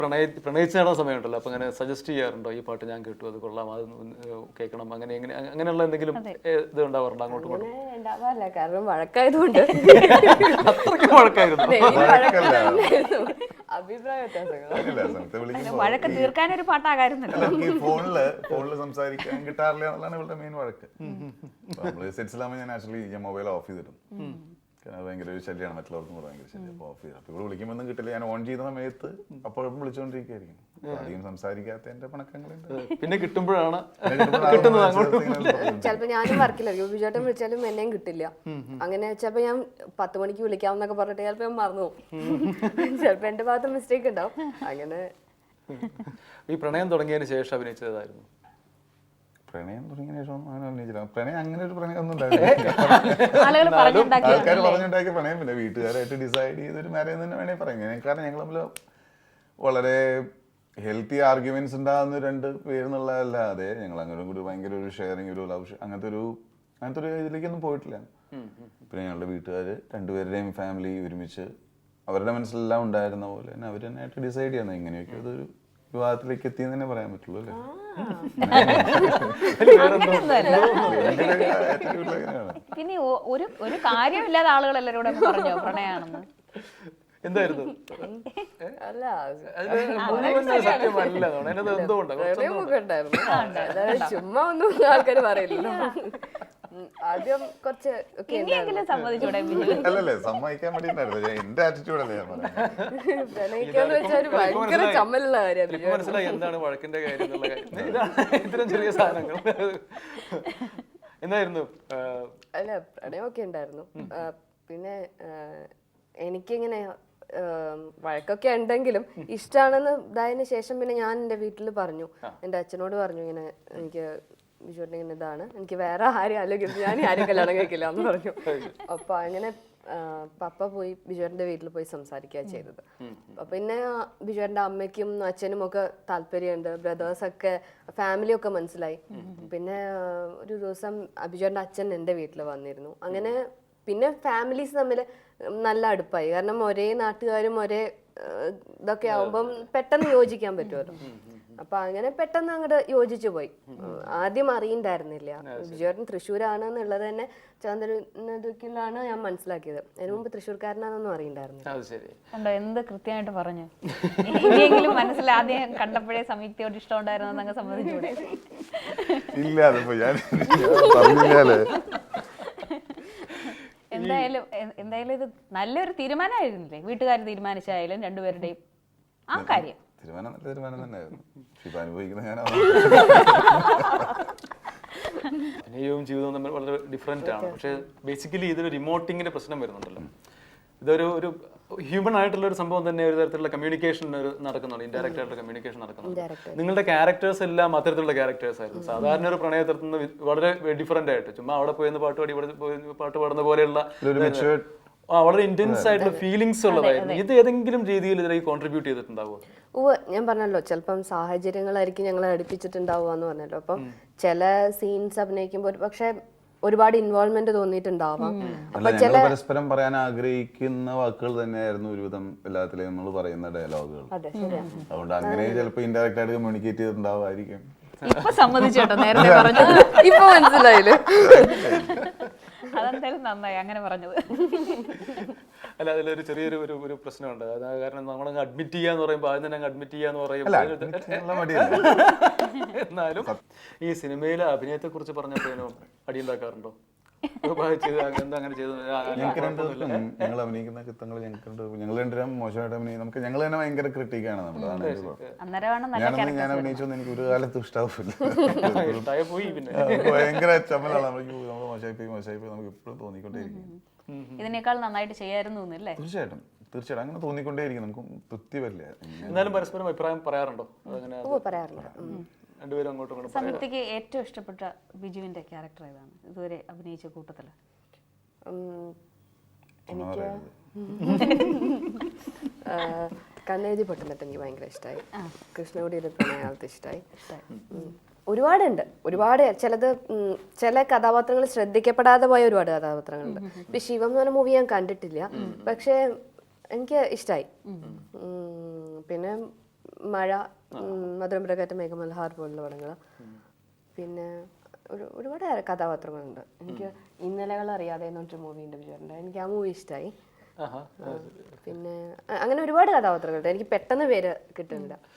പ്രണയിച്ച് നടന്ന സമയമുണ്ടല്ലോ, അപ്പൊ അങ്ങനെ സജസ്റ്റ് ചെയ്യാറുണ്ടോ ഈ പാട്ട് ഞാൻ കേട്ടു അത് കൊള്ളാം അത് കേൾക്കണം അങ്ങനെയുള്ള എന്തെങ്കിലും ഇത് ഉണ്ടാവാറുണ്ടോ അങ്ങോട്ടും ഇങ്ങോട്ടും? ഉണ്ടാവാറില്ല, കാരണം വഴക്കായതുകൊണ്ട് അത്രയ്ക്ക് വഴക്കായിരുന്നു. അഭിപ്രായ വ്യത്യാസങ്ങൾ. വഴക്ക് തീർക്കാനൊരു പാട്ടാകാരുന്നല്ലോ. ഫോണില് സംസാരിക്കാൻ കിട്ടാറില്ല എന്നുള്ളതാണ് ഇവളുടെ മെയിൻ വഴക്ക്. നമ്മള് സെറ്റ്സിലാകുമ്പോൾ ഞാൻ ആക്ച്വലി ഞാൻ മൊബൈൽ ഓഫ് ചെയ്തിടും, കാരണം ഭയങ്കര ഒരു ശല്യമാണ്, മറ്റുള്ളവർക്കും കൂടെ ഭയങ്കര ശല്യം. അപ്പോൾ ഓഫ് ചെയ്തു. അപ്പോൾ ഇവിടെ വിളിക്കുമ്പോൾ കിട്ടില്ല, ഞാൻ ഓൺ ചെയ്ത സമയത്ത് അപ്പോഴും വിളിച്ചുകൊണ്ടിരിക്കുകയായിരിക്കും. അധികം സംസാരിക്കാത്ത എന്റെ പണക്കങ്ങളുണ്ട്. പിന്നെ കിട്ടുമ്പോഴാണ് ചിലപ്പോ ഞാനും വർക്കിലായിരിക്കും, ബിജുവേട്ടൻ വിളിച്ചാലും എന്നെയും കിട്ടില്ല. അങ്ങനെ ചിലപ്പോ ഞാൻ 10 മണിക്ക് വിളിക്കാമെന്നൊക്കെ പറഞ്ഞിട്ട് ചിലപ്പോ ഞാൻ മറന്നു പോകും. ചിലപ്പോ എന്റെ ഭാഗത്ത് മിസ്റ്റേക്ക് ഉണ്ടാവും. അങ്ങനെ ഈ പ്രണയം തുടങ്ങിയതിന് ശേഷം അഭിനയിച്ചതായിരുന്നു? പ്രണയം തുടങ്ങിയ ശേഷം അങ്ങനെ അഭിനയിച്ചില്ല. പ്രണയം അങ്ങനെ ഒരു പ്രണയം ഒന്നും ഉണ്ടായില്ല. ആൾക്കാർ പറഞ്ഞുണ്ടാക്കിയ പ്രണയം, പിന്നെ വീട്ടുകാരായിട്ട് ഡിസൈഡ് ചെയ്തൊരു മാരേജ് തന്നെ വേണേ പറയാം. കാരണം ഞങ്ങൾ തമ്മിൽ വളരെ ഹെൽത്തി ആർഗ്യുമെന്റ്സ് ഉണ്ടാകുന്ന 2 പേരെന്നുള്ളതല്ലാതെ ഞങ്ങൾ അങ്ങനെ കൂടി ഭയങ്കര ഒരു ഷെയറിങ്, ഒരു ലവ് അങ്ങനത്തെ ഒരു ഇതിലേക്കൊന്നും പോയിട്ടില്ല. പിന്നെ ഞങ്ങളുടെ വീട്ടുകാർ 2 പേരുടെയും ഫാമിലി ഒരുമിച്ച് അവരുടെ മനസ്സിലെല്ലാം ഉണ്ടായിരുന്ന പോലെ തന്നെ അവർ തന്നെ ആയിട്ട് ഡിസൈഡ് ചെയ്യണം ഇങ്ങനെയൊക്കെ അതൊരു വിവാഹത്തിലേക്ക് എത്തിയെന്ന് തന്നെ പറയാൻ പറ്റുള്ളൂ അല്ലേ. പിന്നെ ഒരു കാര്യമില്ലാതെ ആളുകൾ എല്ലാവരും പറഞ്ഞോ പ്രണയാണെന്ന്? എന്തായിരുന്നു? ചുമ്മാ ഒന്നും ആൾക്കാർ പറയില്ലല്ലോ. ആദ്യം കുറച്ച് അല്ലല്ലേ സമ്മതിക്കാൻ വേണ്ടിട്ടായിരുന്നു എന്റെ ആറ്റിറ്റ്യൂഡല്ലേ ഞാൻ പ്രണയിക്കാന്ന് വെച്ചാൽ ഭയങ്കര ചമ്മലുള്ള കാര്യമാണ്. മനസ്സിലായി എന്താണ് വഴക്കിന്റെ കാര്യം ഇത്തരം ചെറിയ സാധനങ്ങൾ. എന്തായിരുന്നു? അല്ല പ്രണയമൊക്കെ ഉണ്ടായിരുന്നു. പിന്നെ എനിക്കിങ്ങനെ വഴക്കൊക്കെ ഉണ്ടെങ്കിലും ഇഷ്ടമാണെന്ന് ഇതായതിനു ശേഷം പിന്നെ ഞാൻ എൻ്റെ വീട്ടിൽ പറഞ്ഞു, എൻ്റെ അച്ഛനോട് പറഞ്ഞു ഇങ്ങനെ എനിക്ക് ബിജുവേട്ടൻ ഇങ്ങനെ ഇതാണ്, എനിക്ക് വേറെ ആരും അല്ലെങ്കിൽ ഞാൻ ആരും കല്യാണം കഴിക്കില്ല എന്ന് പറഞ്ഞു. അപ്പൊ അങ്ങനെ പപ്പ പോയി ബിജുവേട്ടൻ്റെ വീട്ടിൽ പോയി സംസാരിക്കുക ചെയ്തത്. പിന്നെ ബിജുവേട്ടൻ്റെ അമ്മയ്ക്കും അച്ഛനും ഒക്കെ താല്പര്യമുണ്ട്, ബ്രദേഴ്സൊക്കെ ഫാമിലിയൊക്കെ മനസ്സിലായി. പിന്നെ ഒരു ദിവസം ബിജുവേട്ടൻ്റെ അച്ഛൻ എൻ്റെ വീട്ടിൽ വന്നിരുന്നു. അങ്ങനെ പിന്നെ ഫാമിലീസ് തമ്മിൽ നല്ല അടുപ്പായി, കാരണം ഒരേ നാട്ടുകാരും ഒരേ ഇതൊക്കെ ആവുമ്പം പെട്ടെന്ന് യോജിക്കാൻ പറ്റുമല്ലോ. അപ്പൊ അങ്ങനെ പെട്ടെന്ന് അങ്ങോട്ട് യോജിച്ചു പോയി. ആദ്യം അറിയണ്ടായിരുന്നില്ല ബിജുവേട്ടൻ തൃശ്ശൂരാണ് എന്നുള്ളത് തന്നെ ചന്ദ്രനാണ് ഞാൻ മനസ്സിലാക്കിയത്. അതിന് മുമ്പ് തൃശ്ശൂർക്കാരനാണെന്നൊന്നും അറിയണ്ടായിരുന്നു. എന്ത് കൃത്യമായിട്ട് പറഞ്ഞു. ഇനിയെങ്കിലും മനസ്സിൽ ആദ്യം കണ്ടപ്പോഴേ സംയുക്തയോട് ഇഷ്ടം ഉണ്ടായിരുന്നു അങ്ങ് സമ്മതിച്ചൂടെ? എന്തായാലും ഇത് നല്ലൊരു തീരുമാനമായിരുന്നില്ലേ? വീട്ടുകാർ തീരുമാനിച്ചായാലും 2 പേരുടെയും ആ കാര്യം തീരുമാനം തന്നെയായിരുന്നു. അഭിനയവും ജീവിതവും തമ്മിൽ വളരെ ഡിഫറെന്റ് ആണ്. പക്ഷെ ബേസിക്കലി ഇതൊരു റിമോട്ടിങ്ങിന്റെ പ്രശ്നം വരുന്നുണ്ടല്ലോ. ഇതൊരു ഹ്യൂമൻ ആയിട്ടുള്ള ഒരു സംഭവം തന്നെ, ഒരു തരത്തിലുള്ള കമ്മ്യൂണിക്കേഷൻ നടക്കുന്നുണ്ട്, ഇൻഡയറക്റ്റ് ആയിട്ടുള്ള കമ്മ്യൂണിക്കേഷൻ നടക്കുന്നുണ്ട്. നിങ്ങളുടെ ക്യാരക്ടേഴ്സ് എല്ലാം അത്തരത്തിലുള്ള ക്യാരക്ടേഴ്സ് ആയിരുന്നു. സാധാരണ ഒരു പ്രണയത്തിൽ നിന്ന് വളരെ ഡിഫറെന്റ് ആയിട്ട് ചുമ്മാ അവിടെ പോയി പാട്ട് പാടി ഇവിടെ പോയി പാട്ട് പാടുന്ന പോലെയുള്ള വളരെ ഇന്റൻസ് ആയിട്ടുള്ള ഫീലിങ്സ് ഉള്ളതായിരുന്നു. ഇത് ഏതെങ്കിലും രീതിയിൽ ഇതിലേക്ക് കോൺട്രിബ്യൂട്ട് ചെയ്തിട്ടുണ്ടാവുമോ? ഞാൻ പറഞ്ഞല്ലോ ചിലപ്പം സാഹചര്യങ്ങളായിരിക്കും ഞങ്ങളെ അടുപ്പിച്ചിട്ടുണ്ടാവുക എന്ന് പറഞ്ഞല്ലോ. അപ്പം ചില സീൻസ് അഭിനയിക്കുമ്പോൾ പക്ഷെ ഒരുപാട് ഇൻവോൾവ്മെന്റ് തോന്നിയിട്ടുണ്ടാവാം. പരസ്പരം പറയാൻ ആഗ്രഹിക്കുന്ന വാക്കുകൾ തന്നെയായിരുന്നു ഒരുവിധം എല്ലാത്തിലും നമ്മൾ പറയുന്ന ഡയലോഗുകൾ. അതുകൊണ്ട് അങ്ങനെ ചിലപ്പോൾ ഇൻഡയറക്റ്റ് ആയിട്ട് കമ്മ്യൂണിക്കേറ്റ് ചെയ്തിട്ടുണ്ടാവുമായിരിക്കും. ഇപ്പൊ സമ്മതിച്ചോട്ടോ, നേരത്തെ പറഞ്ഞത് ഇപ്പൊ മനസ്സിലായില്ലേ? അതെന്തായാലും നന്നായി അങ്ങനെ പറഞ്ഞത്. അല്ല, അതിലൊരു ചെറിയൊരു ഒരു പ്രശ്നമുണ്ട്. കാരണം നമ്മളങ്ങ് അഡ്മിറ്റ് ചെയ്യാന്ന് പറയുമ്പോൾ ആദ്യം തന്നെ അഡ്മിറ്റ് ചെയ്യാന്ന് പറയുമ്പോൾ എന്നാലും ഈ സിനിമയിലെ അഭിനയത്തെ കുറിച്ച് പറഞ്ഞപ്പോഴേനോ അടിയുണ്ടാക്കാറുണ്ടോ? ഞങ്ങൾ അഭിനയിക്കുന്ന ചിത്രങ്ങൾ ഞങ്ങൾ 2 മോശമായിട്ട് അഭിനയിക്കും. ഞങ്ങൾ തന്നെ ഭയങ്കര ക്രിട്ടിക്കാണ്. ഞാൻ അഭിനയിച്ചൊന്നും എനിക്ക് ഒരു കാലത്തും ഇഷ്ടാവില്ല. ഭയങ്കര ചമ്മലാണ്. നമ്മൾ മോശമായി നമുക്ക് ഇപ്പോഴും തോന്നിക്കൊണ്ടേയിരിക്കും ഇതിനേക്കാൾ നന്നായിട്ട് ചെയ്യായിരുന്നു. തീർച്ചയായിട്ടും അങ്ങനെ തോന്നിക്കൊണ്ടേയിരിക്കും. നമുക്ക് തൃപ്തി വരില്ല. എന്നാലും പരസ്പരം അഭിപ്രായം പറയാറുണ്ടോ? സംയുക്തയ്ക്ക് ഏറ്റവും ഇഷ്ടപ്പെട്ട ബിജുവിന്റെ ക്യാരക്ടർ ഏതാണ് ഇതുവരെ അഭിനയിച്ച കൂട്ടത്തില്? എനിക്ക് കണ്ണെഴുതി പൊട്ടുന്നിട്ട് എനിക്ക് ഭയങ്കര ഇഷ്ടമായി. കൃഷ്ണകുടിയുടെ പ്രണയാളത്തെ ഇഷ്ടമായി. ഒരുപാട് ചില കഥാപാത്രങ്ങൾ ശ്രദ്ധിക്കപ്പെടാതെ പോയ ഒരുപാട് കഥാപാത്രങ്ങളുണ്ട്. ഇപ്പൊ ശിവം എന്ന് പറഞ്ഞ മൂവി ഞാൻ കണ്ടിട്ടില്ല, പക്ഷെ എനിക്ക് ഇഷ്ടമായി. പിന്നെ മഴ, മധുരം പ്രകാറ്റ മേഘമൽഹാർ പോലുള്ള പടങ്ങൾ. പിന്നെ ഒരുപാട് കഥാപാത്രങ്ങളുണ്ട്. എനിക്ക് ഇന്നലകൾ അറിയാതെ എന്നൊരു മൂവി ഉണ്ട് വിചാരിച്ചിട്ടുണ്ട്, എനിക്ക് ആ മൂവി ഇഷ്ടമായി. പിന്നെ അങ്ങനെ ഒരുപാട് കഥാപാത്രങ്ങളുണ്ട്, എനിക്ക് പെട്ടെന്ന് പേര് കിട്ടുന്നില്ല.